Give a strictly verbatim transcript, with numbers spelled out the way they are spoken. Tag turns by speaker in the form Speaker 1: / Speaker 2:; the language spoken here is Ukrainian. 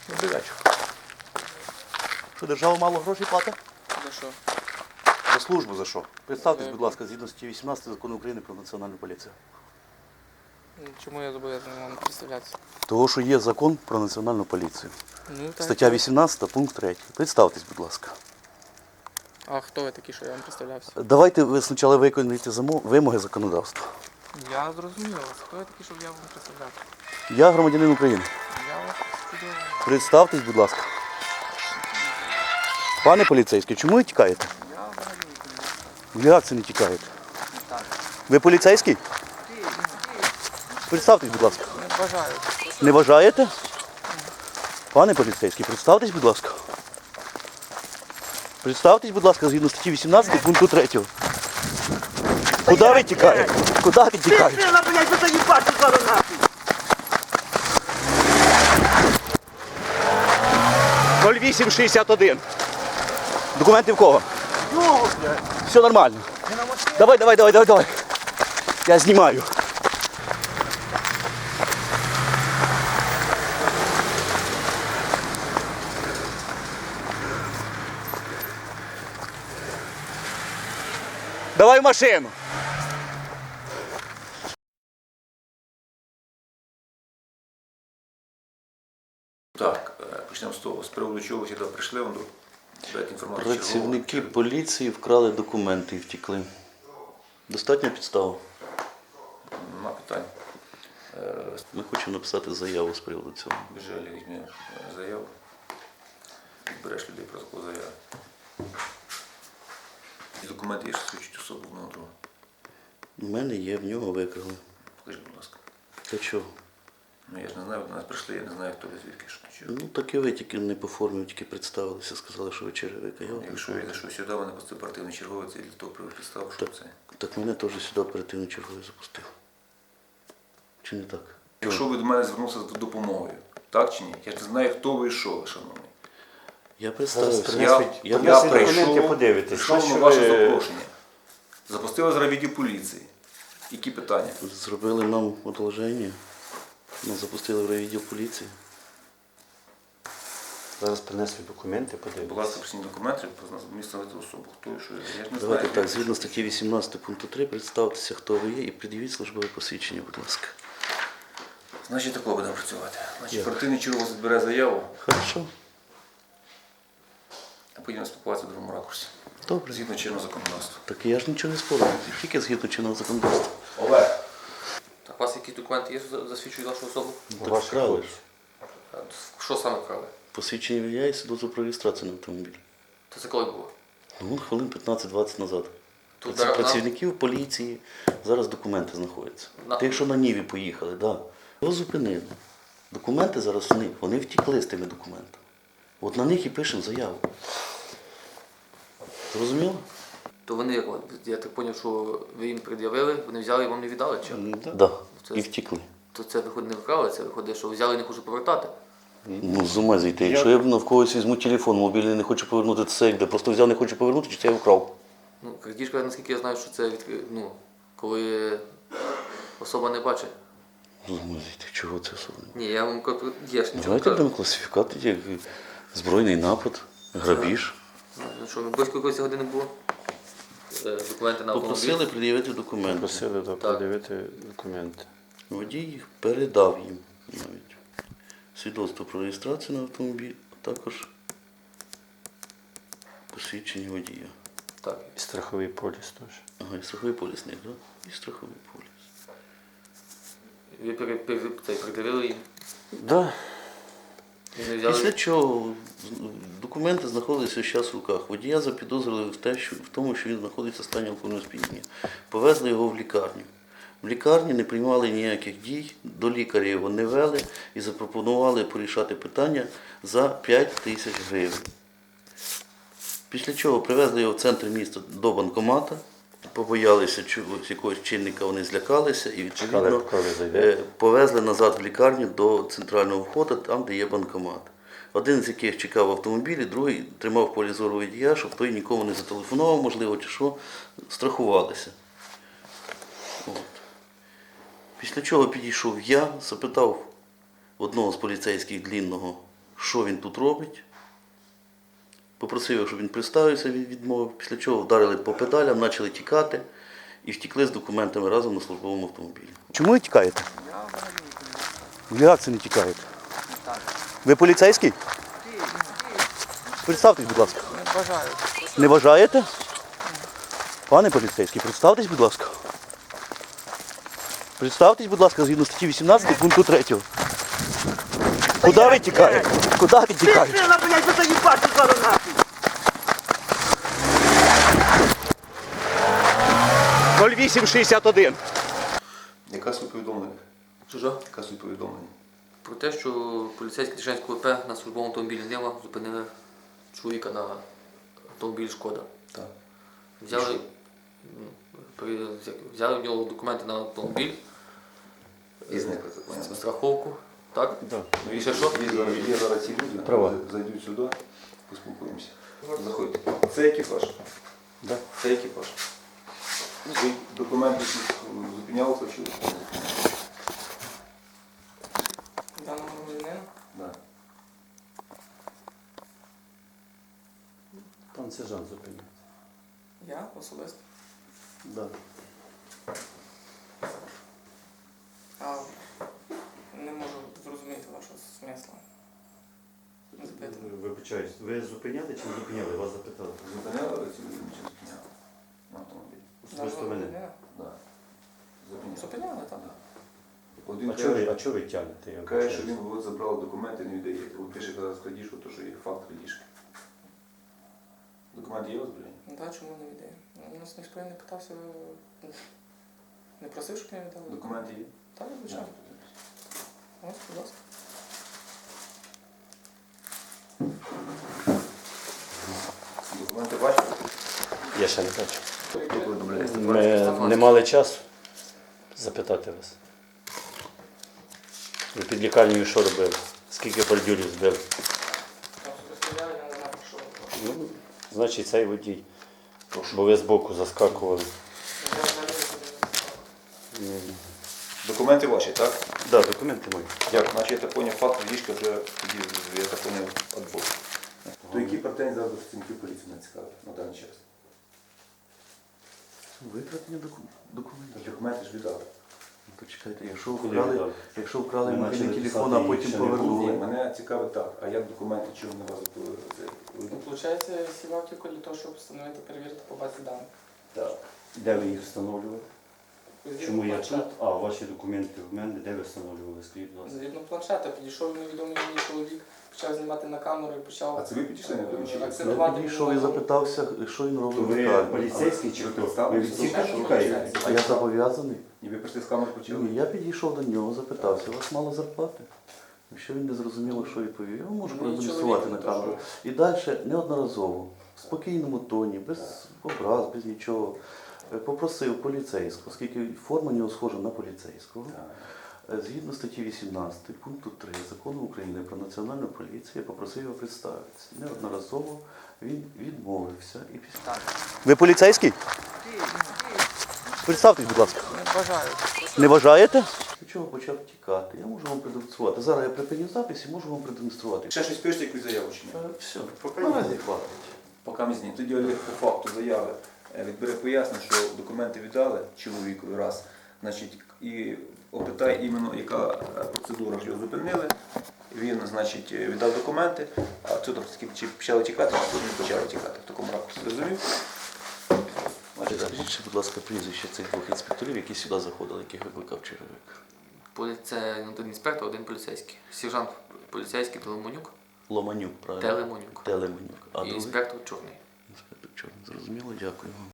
Speaker 1: Добрий вечір.
Speaker 2: Що, держава мало грошей платить?
Speaker 1: За що?
Speaker 2: За службу за що? Представтесь,
Speaker 1: Е,
Speaker 2: будь ласка, згідно статті вісімнадцять Закону України про національну поліцію.
Speaker 1: Чому я зобов'язаний вам представлятися?
Speaker 2: Того, що є закон про національну поліцію.
Speaker 1: Ну, так.
Speaker 2: Стаття вісімнадцята, пункт третій. Представтесь, будь ласка.
Speaker 1: А хто ви такі, що я вам представлявся?
Speaker 2: Давайте ви спочатку виконуєте замо- вимоги законодавства.
Speaker 1: Я зрозумів вас. Хто ви такі, щоб я вам представлявся?
Speaker 2: Я громадянин України.
Speaker 1: Я вас чудово.
Speaker 2: Представтесь, будь ласка. Пане поліцейський, чому ви тікаєте?
Speaker 1: Я взагалі
Speaker 2: Як це не тікаєте? Ви поліцейський? Представтесь, будь ласка.
Speaker 1: не бажаю.
Speaker 2: Не вважаєте? Пане поліцейський, представтесь, будь ласка. Представтесь, будь ласка, згідно статті вісімнадцять пункту третього. Куди ви тікаєте? Куди ви тікаєте?
Speaker 3: Сила, блядь, ви тоді бачите зараз нахуй.
Speaker 2: нуль вісім шістдесят один. Документи в кого?
Speaker 3: Його, блядь.
Speaker 2: Все нормально. Давай, давай, давай, давай, давай. Я знімаю. Давай в машину.
Speaker 4: Так, е, почнемо з того. З приводу чого ви сюди прийшли, вам дати інформацію.
Speaker 2: Працівники
Speaker 4: чергову.
Speaker 2: поліції вкрали документи і втекли. Достатньо підстав.
Speaker 4: Нема питань. Е,
Speaker 2: Ми хочемо написати заяву з приводу цього.
Speaker 4: Біжелі візьми е, заяву. Відбереш людей про таку заяву. Ці документи є, що свідчать особу одного друга.
Speaker 2: У мене є, в нього викрали.
Speaker 4: Покажіть, будь ласка.
Speaker 2: Та чого?
Speaker 4: Ну я ж не знаю, до нас прийшли, я не знаю, хто ви звідки, що чого.
Speaker 2: Ну так і ви тільки не по формі, тільки представилися, сказали, що ви черевика. Я
Speaker 4: Якщо я зайшов сюди, мене пустив оперативний черговий, це для того привів підстав, що
Speaker 2: Так.
Speaker 4: це.
Speaker 2: Так мене теж сюди оперативно черговий запустив. Чи не так?
Speaker 4: Якщо ви до мене звернувся з допомогою, так чи ні? Я ж не знаю, хто ви і що ви, шановний.
Speaker 2: Я представився.
Speaker 4: Я,
Speaker 2: Я,
Speaker 4: я,
Speaker 2: я
Speaker 4: прийшов,
Speaker 3: подивитись.
Speaker 4: прийшов на
Speaker 3: Що
Speaker 4: ваше
Speaker 3: ви-
Speaker 4: запрошення. Запустили зараз відділ поліції. Які питання?
Speaker 2: Зробили нам одолження. Нас запустили в райвідділ поліції.
Speaker 3: Зараз принесли документи,
Speaker 4: Будь
Speaker 3: подивіться.
Speaker 4: ласка, присні документи, встановити особу. Хто і що? Я ж не
Speaker 2: Давайте
Speaker 4: знаю.
Speaker 2: так, згідно статті вісімнадцять пункту три, представтеся, хто ви є, і пред'явіть службове посвідчення, будь ласка.
Speaker 4: Значить, такого будемо працювати. Значить,
Speaker 2: Як?
Speaker 4: оперативний черговий збере заяву,
Speaker 2: Хорошо.
Speaker 4: а потім спілкуватися в другому ракурсі.
Speaker 2: Добре.
Speaker 4: Згідно чинного законодавства.
Speaker 2: Так я ж нічого не спорю, тільки згідно чинного законодавства.
Speaker 4: Олег!
Speaker 1: Так, у вас якісь документи є, що засвідчують вашу особу?
Speaker 2: Так
Speaker 3: Ваші
Speaker 2: вкрали.
Speaker 3: хлопці.
Speaker 1: Що саме вкрали?
Speaker 2: Посвідчення водія і свідоцтво про реєстрацію на автомобіль.
Speaker 1: То це коли було?
Speaker 2: Ну, хвилин п'ятнадцять-двадцять назад.
Speaker 1: Тут
Speaker 2: Це
Speaker 1: на-
Speaker 2: працівників поліції зараз документи знаходяться.
Speaker 1: На-
Speaker 2: Тих, що на Ніві поїхали, так. Да. Його зупинили. Документи зараз у них, вони втекли з тими документами. От на них і пишемо заяву. Зрозуміло?
Speaker 1: То вони, як, от, я так зрозумів, що ви їм пред'явили, вони взяли і вам не віддали, чи?
Speaker 2: Так. Да.
Speaker 1: Це-
Speaker 2: І втекли.
Speaker 1: То це виходить не вкрали, це виходить, що взяли і не хочуть повертати.
Speaker 2: Ну, з ума зійти. Якщо я в когось візьму телефон, мобільний не хочу повернути, це як де? Просто взяв, не хочу повернути, чи це я вкрав?
Speaker 1: Ну, крадіжка, наскільки я знаю, що це відкри... ну, коли особа не бачить.
Speaker 2: З ума зійти, чого це особливо?
Speaker 1: Ні, я вам кажу, є ж нічого.
Speaker 2: Давайте
Speaker 1: кажу.
Speaker 2: будемо класифікувати як збройний напад, грабіж.
Speaker 1: Ну що, близько якоїсь години було? Е, Документи на
Speaker 2: Попросили
Speaker 1: автомобіль.
Speaker 2: пред'явити документи.
Speaker 3: Просили да,
Speaker 1: Так.
Speaker 3: подивити документи.
Speaker 2: Водій їх передав їм навіть. Свідоцтво про реєстрацію на автомобіль, а також посвідчення водія.
Speaker 1: Так.
Speaker 3: І страховий поліс теж.
Speaker 2: Ага, і страховий поліс не, так? І страховий поліс.
Speaker 1: Ви пере- пере- цей, придивили їм.
Speaker 3: Да.
Speaker 1: І не взяли.
Speaker 2: Після чого з- документи знаходилися зараз в руках. Водія запідозрили в, те, що, в тому, що він знаходиться в стані алкогольного сп'яніння. Повезли його в лікарню. В лікарні не приймали ніяких дій, до лікаря його не вели і запропонували порішати питання за п'ять тисяч гривень. Після чого привезли його в центр міста до банкомата, побоялися чогось, якогось чинника, вони злякалися і
Speaker 3: Чекали,
Speaker 2: відповідно
Speaker 3: поки ви зайдете.
Speaker 2: е, повезли назад в лікарню до центрального входу, там, де є банкомат. Один з яких чекав в автомобілі, другий тримав в полі зору водія, щоб той нікому не зателефонував, можливо, чи що, страхувалися. От. Після чого підійшов я, запитав одного з поліцейських длінного, що він тут робить. Попросив його, щоб він представився, він відмовив. Після чого вдарили по педалям, почали тікати і втекли з документами разом на службовому автомобілі. Чому ви тікаєте? Як це не тікаєте? Ви поліцейський? Представтесь, будь ласка.
Speaker 5: Не бажаю.
Speaker 2: Не бажаєте? Пане поліцейський, представтесь, будь ласка. Представтесь, будь ласка, згідно статті вісімнадцять пункту третього. Куди ви тікаєте? Куди ви тікаєте?
Speaker 5: Сила, блядь, ви заїбати зараз нахуй.
Speaker 2: нуль вісім шістдесят один.
Speaker 4: Яка суть повідомлення?
Speaker 1: Чужа?
Speaker 4: Яка суть повідомлення?
Speaker 1: Про те, що поліцейські Тишинського ВП на службовому автомобілі Нива зупинили чоловіка на автомобіль Шкода.
Speaker 4: Так.
Speaker 1: Взяли, ну, при- взяли в нього документи на автомобіль,
Speaker 4: І зникли.
Speaker 1: с- страховку, так?
Speaker 3: Да.
Speaker 1: І ще що?
Speaker 4: Є зараз, є зараз ці люди,
Speaker 3: Права.
Speaker 4: зайдуть сюди, поспілкуємося. Заходьте. Це екіпаж.
Speaker 3: Да.
Speaker 4: Це екіпаж. Ви документи всі зупинялися чи?
Speaker 5: Даного громадянина?
Speaker 4: Да.
Speaker 3: Пан сержант зупинив.
Speaker 5: Я особисто.
Speaker 2: Да.
Speaker 5: А не можу зрозуміти вашого смисла. Запитую.
Speaker 3: Вибачаюсь, ви зупиняли чи не зупиняли? Вас запитали.
Speaker 4: Зупиняли цю людину чи зупиняли? На автомобілі.
Speaker 3: Особисто
Speaker 5: Даного
Speaker 3: мене.
Speaker 5: громадянина?
Speaker 4: Да. Зупиняли.
Speaker 5: Зупиняли, так?
Speaker 4: Да. Один
Speaker 3: А чого ви, а
Speaker 4: каже,
Speaker 3: чого ви тягнете? Я
Speaker 4: каже, що
Speaker 3: вибачаюсь.
Speaker 4: він от забрав документи, не віддає. От пише зараз крадіжку, то що є факт крадіжки. Документ є у вас, блін?
Speaker 5: Ну так, чому не віддає? У нас ніхто і не питався, не просив, щоб я віддав.
Speaker 4: Документи є?
Speaker 5: Так, звичайно. Ось, будь ласка.
Speaker 4: Документи бачите?
Speaker 3: Я ще не бачу.
Speaker 4: Хто повідомляє?
Speaker 3: Ми не мали часу запитати вас. Ви під лікарнею що робили? Скільки бордюрів збили?
Speaker 5: Особисто я, я не знаю, про що ви говорите.
Speaker 3: Ну, значить, цей водій. Бо ви збоку заскакували.
Speaker 5: Я взагалі не знаю.
Speaker 4: Документи ваші, так?
Speaker 3: Да, документи мої.
Speaker 4: Дякую. Значить, я так поняв, факт крадіжки вже тоді, я так поняв, відбув. То які претензії зараз до працівників поліції не цікаві на даний час?
Speaker 2: Викрадення доку- документів.
Speaker 4: Документи ж віддали.
Speaker 2: Ну, Почекайте, якщо
Speaker 3: Куди
Speaker 2: вкрали,
Speaker 3: віддали?
Speaker 2: якщо вкрали
Speaker 3: Ми
Speaker 2: мобільний
Speaker 3: почали
Speaker 2: телефон,
Speaker 3: писати,
Speaker 2: а потім
Speaker 3: ще не було.
Speaker 4: Ні,
Speaker 2: повернули.
Speaker 4: мене цікавить так, а як документи, чому не вас це?
Speaker 5: Ну, виходить, сівав тільки для того, щоб встановити, перевірити по базі даних.
Speaker 4: Так.
Speaker 3: Де ви їх встановлювали?
Speaker 5: Згідно
Speaker 3: Чому я
Speaker 5: планшета.
Speaker 3: тут? А, ваші документи в мене, де ви встановлювали? Скажіть, будь ласка.
Speaker 5: Згідно планшета, підійшов невідомий мені чоловік, почав знімати на камеру і почав
Speaker 4: А це ви підійшли на думку, чи
Speaker 2: Я
Speaker 5: акцентувати.
Speaker 2: підійшов і запитався, що він
Speaker 3: То
Speaker 2: робить в
Speaker 3: ви
Speaker 2: лікарні.
Speaker 3: поліцейський чи
Speaker 4: Ви
Speaker 3: хто?
Speaker 4: представили,
Speaker 3: Ви від всіх
Speaker 5: що ви
Speaker 3: тікаєте?
Speaker 5: поліцейський?
Speaker 2: А я зобов'язаний?
Speaker 4: І ви прийшли з камери почали?
Speaker 2: Ні, я підійшов до нього, запитався, у вас мало зарплати? Якщо він не зрозуміло, що відповів, я можу
Speaker 5: Ну, і
Speaker 2: продемонструвати на
Speaker 5: чоловік,
Speaker 2: камеру.
Speaker 5: то
Speaker 2: І далі неодноразово, в спокійному тоні, без образ, без нічого, е, попросив поліцейського, оскільки форма у нього схожа на поліцейського. Е, Згідно статті вісімнадцять пункту три Закону України про національну поліцію, я попросив його представитися. Неодноразово він відмовився. І після... Ви поліцейський? Представтесь, будь ласка.
Speaker 5: Не бажаю.
Speaker 2: Не бажаєте? Після чого почав тікати. Я можу вам продемонструвати. Зараз я припиню запис і можу вам продемонструвати.
Speaker 4: Ще щось пишете, якусь заяву чи ні?
Speaker 2: Е, Все,
Speaker 4: Поки
Speaker 2: наразі
Speaker 4: ні.
Speaker 2: хватить.
Speaker 4: Поки ми знімемо. Тоді Олег по факту заяви е, відбере пояснення, що документи віддали чоловікові раз, значить, і опитає іменно, яка е, процедура, що його зупинили. Він, значить, е, віддав документи, а тут чи почали тікати, а тут не почали тікати в такому ракурсі. Розумів? Значить, так.
Speaker 2: Скажіть, ще, будь ласка, прізвище цих двох інспекторів, які сюди заходили, яких викликав черевик.
Speaker 1: Полі- Це один інспектор, один поліцейський. Сержант поліцейський Телемонюк,
Speaker 2: Ломанюк, правильно?
Speaker 1: Телемонюк.
Speaker 2: Телеманюк. А
Speaker 1: І
Speaker 2: другий?
Speaker 1: інспектор чорний.
Speaker 2: Інспектор Чорний. Зрозуміло, дякую вам.